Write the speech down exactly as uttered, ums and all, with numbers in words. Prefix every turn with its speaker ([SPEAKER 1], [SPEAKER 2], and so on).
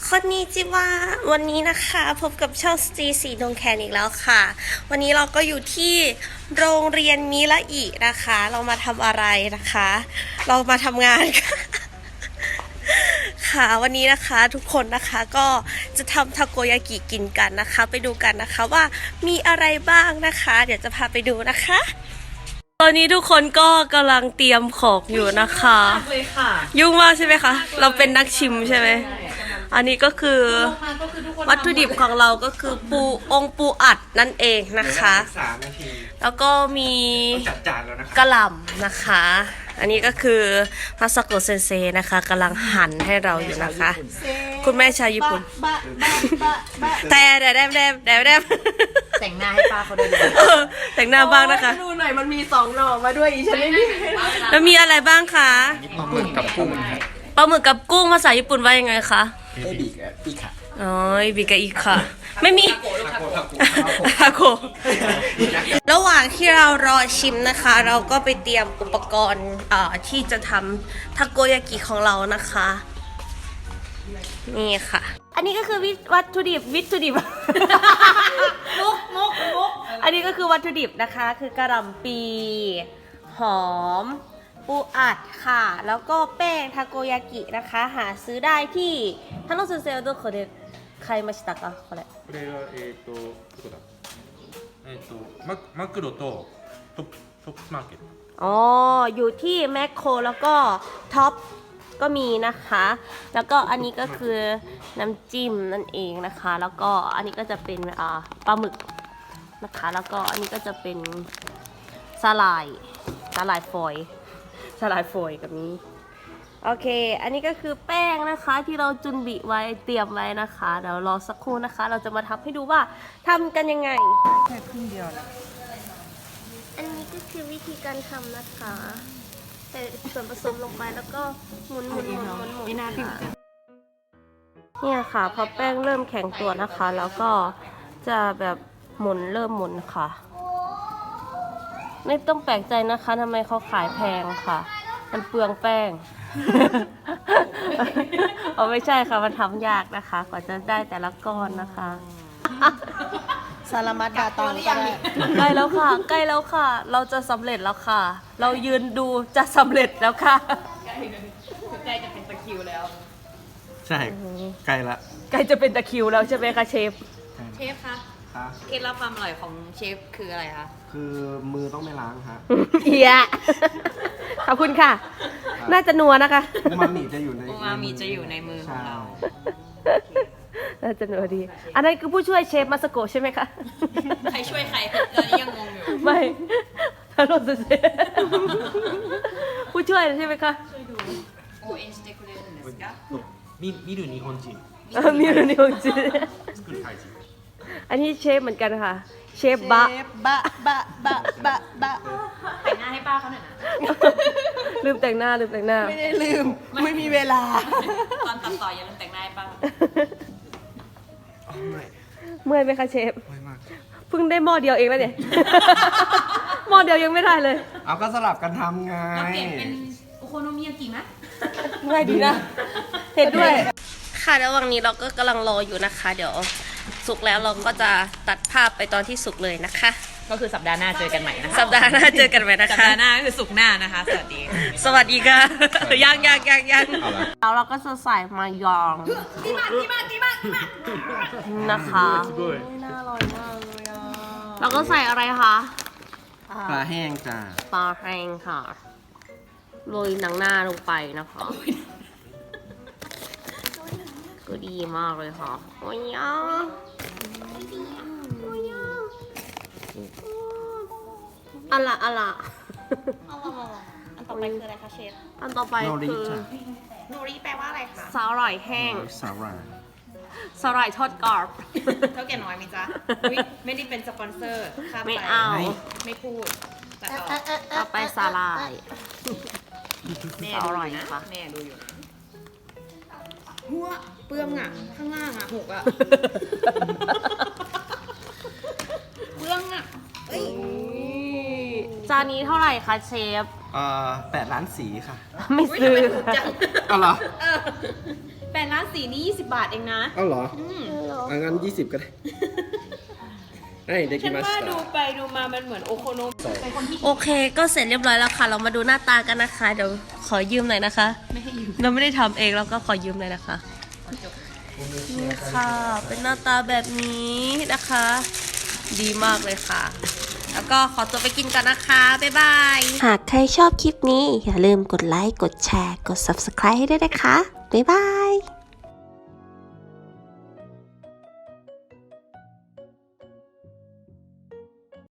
[SPEAKER 1] คนนี้จิวะวันนี้นะคะพบกับช่องสตรีสีดงแคนอีกแล้วค่ะ วันนี้เราก็อยู่ที่โรงเรียนมิระอินะคะ เรามาทำอะไรนะคะ เรามาทำงานค่ะ ค่ะวันนี้นะคะทุกคนนะคะก็จะทำทาโกยากิกินกันนะคะ ไปดูกันนะคะว่ามีอะไรบ้างนะคะ เดี๋ยวจะพาไปดูนะคะ ตอนนี้ทุกคนก็กำลังเตรียมของอยู่นะคะเลยค่ะ ยุ่งมากใช่ไหมคะเราเป็นนักชิมใช่ไหมอันนี้ก็คือวัตถุดิบของเราก็คือปูองปูอัดนั่นเองนะคะแล้วก็มีกระหล่ำนะคะ อันนี้ก็คือมาซาโกะเซนเซนะคะกำลังหั่นให้เราอยู่นะคะ คุณแม่ชาวญี่ปุ่นแต่แดดแดดแดดแดดแดด
[SPEAKER 2] แต่งหน้าให้ป้าเขาด้วย
[SPEAKER 1] แต่งหน้าบ้างนะคะ
[SPEAKER 2] ดูหน่อยมันมีสองหน่อมาด้วยอีฉันไม่มี
[SPEAKER 1] แล้วมีอะไรบ้างคะ
[SPEAKER 3] ปลาหมึกกับกุ้ง
[SPEAKER 1] ปลาหมึกกับกุ้งภาษาญี่ปุ่นว่ายังไงคะ
[SPEAKER 3] เอบิกะอีค่ะ
[SPEAKER 1] อ๋อบิกะอีค่ะ ไม่มีทาโกระหว่างที่เรารอชิมนะคะ เราก็ไปเตรียมอุปกรณ์อ่าที่จะทำทาโกยากิของเรานะคะ นี่ค่ะ อันนี้ก็คือวัตถุดิบวิถุดิบ มุกมุกมุกอันนี้ก็คือวัตถุดิบนะคะ คือกระหล่ำปีหอมปูอัดค่ะ แล้วก็แป้งทาโกยากินะคะ หาซื้อได้ที่ฮันโนเซนเซโดโคเดะใครมาชิตะกะこれ
[SPEAKER 4] これはえっ、とどこだえっ、とママクロとトップトップスマーケット
[SPEAKER 1] อ๋อ อยู่ที่แมคโครแล้วก็ท็อปก็มีนะคะ แล้วก็อันนี้ก็คือน้ำจิ้มนั่นเองนะคะ แล้วก็อันนี้ก็จะเป็นอ่าปลาหมึกนะคะ แล้วก็อันนี้ก็จะเป็นสาหร่ายสาหร่ายฝอยสาหร่ายฝอยกับนี้โอเค อันนี้ก็คือแป้งนะคะที่เราจุนบิไว้เตรียมไว้นะคะเดี๋ยวรอสักครู่นะคะ เราจะมาทำให้ดูว่าทำกันยังไงแค่ครึ่งเดียวนะอันนี้ก็คือวิธีการทำนะคะใส่ส่วนผสมลงไปแล้วก็หมุนหมุนหมุนหมุนหมุนเนี่ยค่ะพอแป้งเริ่มแข็งตัวนะคะ แล้วก็จะแบบหมุนเริ่มหมุนค่ะไม่ต้องแปลกใจนะคะทำไมเขาขายแพงค่ะมันเปลืองแป้ง เอาไม่ใช่ค่ะมันทำยากนะคะกว่าจะได้แต่ละก้อนนะคะ
[SPEAKER 2] สารมัดดาตังก็ได้
[SPEAKER 1] ใกล้แล้วค่ะใกล้แล้วค่ะ เราจะสำเร็จแล้วค่ะ เรายืนดูจะสำเร็จแล้วค่ะใกล้จะเป็นตะคิวแล้ว
[SPEAKER 3] ใช่ใกล้ละ
[SPEAKER 1] ใกล้จะเป็นตะคิวแล้วใช่ไหมคะเชฟ
[SPEAKER 2] เชฟคะเคล็ดลับความอร่อยของเชฟคืออะไรคะ
[SPEAKER 3] คือมือต้องไม่ล้างฮะ
[SPEAKER 1] เอียขอบคุณค่ะ น่าจะนัวนะคะ
[SPEAKER 3] อูมามิจะอยู่ใน
[SPEAKER 2] อูมามิจะอยู่ในมือของเรา
[SPEAKER 1] น่าจะนัวดี อันนั้นคือผู้ช่วยเชฟมาสโกะใช่ไหมคะ
[SPEAKER 2] ใครช่วยใครตอนนี้ยังงงอยู่
[SPEAKER 1] ไม่ทารอนเชฟผู้ช่วยใช่ไหมคะ
[SPEAKER 2] โอเอ็นสเตคุเรนですか
[SPEAKER 3] み見る日本人
[SPEAKER 1] เออมีるนิวจิ
[SPEAKER 3] 作るタイ人
[SPEAKER 1] อันนี้เชฟเหมือนกันค่ะ เชฟบะ
[SPEAKER 2] บะบะบะบะบะแต่งหน้าให้ป้าเขาหน่อยนะ
[SPEAKER 1] ลืมแต่งหน้าลืมแต่งหน้า
[SPEAKER 2] ไม่ได้ลืมไม่มีเวลาตอนตัดต่ออย่าลืมแต่งหน้าให้ป้า
[SPEAKER 1] เมื่อยไหมคะเชฟ
[SPEAKER 3] ไม่มาก
[SPEAKER 1] เพิ่งได้หม้อเดียวเองแล้วเนี่ย หม้อเดียวยังไม่ได้เลย
[SPEAKER 3] เอาก็สลับกันทำไง
[SPEAKER 2] เราเปลี่ยนเป็นโอโคโนมิยากิไหม
[SPEAKER 1] เมื่อยดีนะ เห็นด้วย ค่ะระหว่างนี้เราก็กำลังรออยู่นะคะ เดี๋ยวสุกแล้วเราก็จะตัดภาพไปตอนที่สุกเลยนะคะ
[SPEAKER 2] ก็คือสัปดาห์หน้าเจอกันใหม่นะคะ
[SPEAKER 1] สัปดาห์หน้าเจอกันไหมนะ
[SPEAKER 2] สัป
[SPEAKER 1] คะ
[SPEAKER 2] ดาห์หน้าคือสุกร์หน้านะคะ สวัสดี
[SPEAKER 1] สวัสดีค่ะ ยังยังยังยังแล้วเราก็จะใส่มายองนะคะน่าอร่อยมากเลยอ่ะแล้วก็ใส่อะไรคะ
[SPEAKER 3] ปลาแห้งจ้า
[SPEAKER 1] ปลาแห้งค่ะโรยหนังหน้าลงไปนะคะก็ดีมากเลยค่ะโอ้ยอ่ะอะละอะละ
[SPEAKER 2] อันต่อไปคืออะไรคะเชฟ
[SPEAKER 1] อันต่อไป
[SPEAKER 3] โนริ
[SPEAKER 1] คือ
[SPEAKER 3] จ้า
[SPEAKER 2] โนริแปลว่าอะไรคะ
[SPEAKER 1] สาหร่ายแห้ง
[SPEAKER 3] สาหร่าย
[SPEAKER 1] สาหร่ายทอดกรอบ
[SPEAKER 2] เท่าแก่น้อยไหมจ๊ะอุ๊ยไม่ได้เป็นสปอนเซอร์ข้าม
[SPEAKER 1] ไม่
[SPEAKER 2] ไป
[SPEAKER 1] เอา
[SPEAKER 2] ไม่พูดแต่ต่อ
[SPEAKER 1] ต่อไปสาหร่าย
[SPEAKER 2] แม่
[SPEAKER 1] อ
[SPEAKER 2] ดู
[SPEAKER 1] ร่
[SPEAKER 2] อ
[SPEAKER 1] อย
[SPEAKER 2] ยู่นะ
[SPEAKER 1] นะคะ
[SPEAKER 2] แม่ดูอยู่นะหัวเปลืองอ่ะ ข้างล่างอ่ะหกอ่ะ เปลืองอ่ะเอ้ย
[SPEAKER 1] จานนี้เท่าไหร่คะเชฟ
[SPEAKER 3] เอ่อแปดล้านสีค่ะ
[SPEAKER 1] ไม่
[SPEAKER 2] อุ๊ย
[SPEAKER 1] ซื้อ
[SPEAKER 2] ทำไมถูกจัง
[SPEAKER 3] ก็เหรอ
[SPEAKER 2] เออแปดล้านสีนี่ยี่สิบบาทเองนะ
[SPEAKER 3] เอ้าเหรอ
[SPEAKER 2] อืม
[SPEAKER 3] อ่ะงั้นยี่สิบก็ได้ให้เด็กกิ
[SPEAKER 2] ฉัน
[SPEAKER 3] มา
[SPEAKER 2] ว่า
[SPEAKER 3] ส
[SPEAKER 2] ดู
[SPEAKER 3] ตา
[SPEAKER 2] ไปดูมามันเหมือนโอโคโนมิเป็นคนที่
[SPEAKER 1] โอเค ก็เสร็จเรียบร้อยแล้วค่ะ เรามาดูหน้าตากันนะคะ เดี๋ยวขอยืมหน่อยนะคะ
[SPEAKER 2] ไม่ให้ยืม
[SPEAKER 1] เราไม่ได้ทำเองเราก็ขอยืมเลยนะคะนี่ค่ะ เป็นหน้าตาแบบนี้นะคะ ดีมากเลยค่ะ แล้วก็ขอตัวไปกินกันนะคะ บ๊ายบาย หากใครชอบคลิปนี้ อย่าลืมกดไลค์ กดแชร์ กด ซับสไครบ์ ให้ด้วยนะคะ บ๊ายบาย